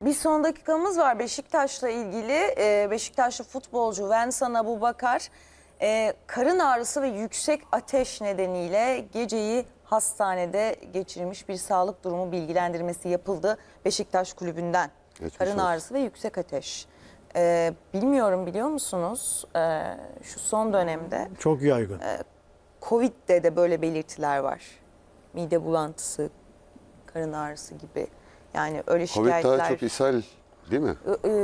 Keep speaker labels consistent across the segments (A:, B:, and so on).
A: Bir son dakikamız var Beşiktaş'la ilgili. Beşiktaşlı futbolcu Vensan Abubakar karın ağrısı ve yüksek ateş nedeniyle geceyi hastanede geçirmiş, bir sağlık durumu bilgilendirmesi yapıldı Beşiktaş kulübünden.
B: Geçmiş
A: Karın
B: olsun.
A: ağrısı ve yüksek ateş. Bilmiyorum, biliyor musunuz? Şu son dönemde
C: Çok yaygın.
A: Covid'de de böyle belirtiler var. Mide bulantısı, karın ağrısı gibi. Yani öyle
B: Covid
A: şikayetler.
B: daha çok ishal değil mi?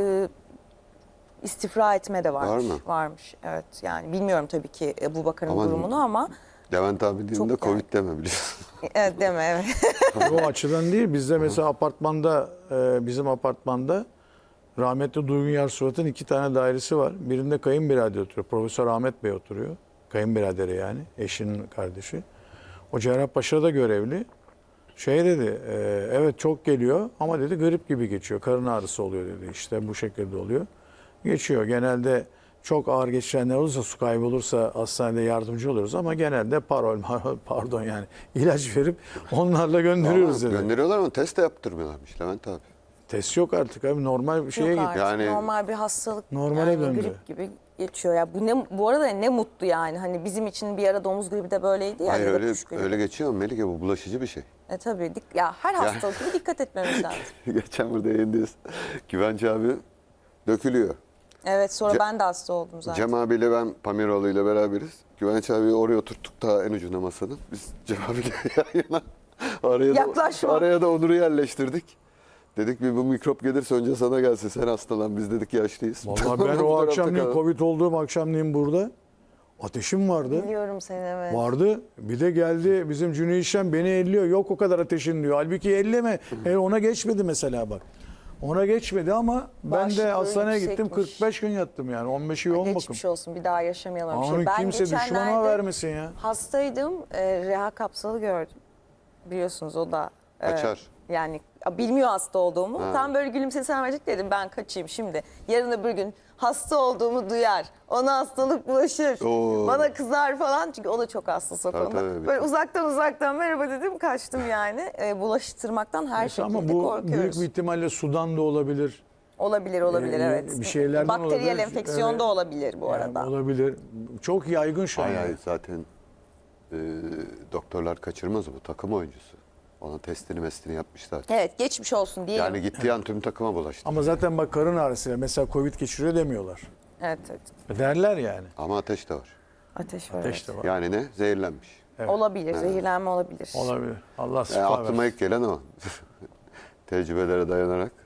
A: İstifra etme de varmış.
B: Var mı?
A: Varmış, evet. Yani bilmiyorum tabii ki Abubakar'ın
B: Ama
A: durumunu ama
B: Levent abi
A: Çok
B: dilinde Covid
A: yani.
B: deme biliyorsun.
A: evet, deme, evet.
C: O açıdan değil. Bizde mesela apartmanda, bizim apartmanda rahmetli Duygun Yarsuvat'ın 2 tane dairesi var. Birinde kayınbirader oturuyor. Profesör Ahmet Bey oturuyor. Kayınbiraderi yani. Eşinin kardeşi. O Cerrahpaşa'da görevli. Şey dedi, evet çok geliyor ama dedi grip gibi geçiyor. Karın ağrısı oluyor dedi. İşte bu şekilde oluyor. Geçiyor. Genelde çok ağır geçirenler olursa, su kaybı olursa hastanede yardımcı oluyoruz ama genelde pardon yani ilaç verip onlarla gönderiyoruz
B: Ama
C: dedi.
B: gönderiyorlar ama test de yaptırmıyorlarmış Levent abi.
C: Test yok artık abi, normal bir şeye
A: Yok
C: git.
A: artık,
B: Yani-
A: normal bir hastalık.
C: Normale
A: yani
C: döndü.
A: grip gibi geçiyor. Ya bu arada ne mutlu yani. Hani bizim için bir ara domuz gribi de böyleydi ya.
B: Hayır
A: ya da
B: öyle
A: kuş gribi.
B: öyle geçiyor ama Melike bu bulaşıcı bir şey.
A: Tabii. Ya her hastalık gibi dikkat etmemiz lazım.
B: Geçen burada yayındayız. Güvenç abi dökülüyor.
A: Evet, sonra ben de hasta oldum zaten.
B: Cem abiyle ben Pamiroğlu ile beraberiz. Güvenç abiyi oraya oturttuk ta en ucuna masanın. Biz Cem abiyle yan yana
A: Yaklaşma.
B: araya da Onur'u yerleştirdik. Dedik bir bu mikrop gelirse önce sana gelsin, sen hastalan, biz dedik yaşlıyız.
C: Vallahi ben
B: Bu
C: o
B: tarafta
C: akşamleyin
B: kalalım.
C: Covid olduğum akşamleyin burada ateşim vardı.
A: Biliyorum seni, evet.
C: Vardı. Bir de geldi bizim Cüneyt Şen beni elliyor. Yok o kadar ateşin diyor. Halbuki elleme. Ona geçmedi mesela bak. Ona geçmedi ama ben de
A: Bağışıklığı
C: hastaneye gittim.
A: yüksekmiş.
C: 45 gün yattım yani. 15'i yoğun bakım.
A: Geçmiş olsun, bir daha yaşamayalım. bir
C: Onu
A: şey. Ben
C: kimse düşmana
A: geçenlerde
C: vermesin ya.
A: hastaydım, reha kapsalı gördüm. Biliyorsunuz o da.
B: Kaçar.
A: Yani bilmiyor hasta olduğumu.
B: Ha.
A: Tam böyle gülümsesem verecek, dedim ben kaçayım şimdi. Yarın öbür gün hasta olduğumu duyar. Ona hastalık bulaşır.
B: Oo.
A: Bana kızar falan. Çünkü o da çok hassas o
B: Tabii,
A: konuda.
B: tabii.
A: Böyle uzaktan merhaba dedim, kaçtım yani. Bulaştırmaktan her şekilde
C: Ama bu
A: korkuyoruz.
C: büyük bir ihtimalle sudan da olabilir.
A: Olabilir
C: Bir
A: evet.
C: şeylerden
A: Bakteriyel
C: olabilir.
A: enfeksiyon
C: Evet.
A: da olabilir bu
C: Yani
A: arada.
C: olabilir. Çok yaygın şu an.
B: Hayır
C: yani.
B: hayır, zaten doktorlar kaçırmaz, bu takım oyuncusu. Ona testini yapmışlar.
A: Evet, geçmiş olsun diyelim.
B: Yani gittiği an tüm takıma bulaştı.
C: Ama zaten bak karın ağrısıyla mesela Covid geçiriyor demiyorlar.
A: Evet.
C: Derler yani.
B: Ama ateş de var.
A: Ateş var.
C: Ateş de var.
B: Yani ne? Zehirlenmiş.
C: Evet.
A: Olabilir, zehirlenme olabilir.
C: Olabilir. Allah şifa
B: Aklıma
C: versin.
B: ilk gelen o. Tecrübelere dayanarak.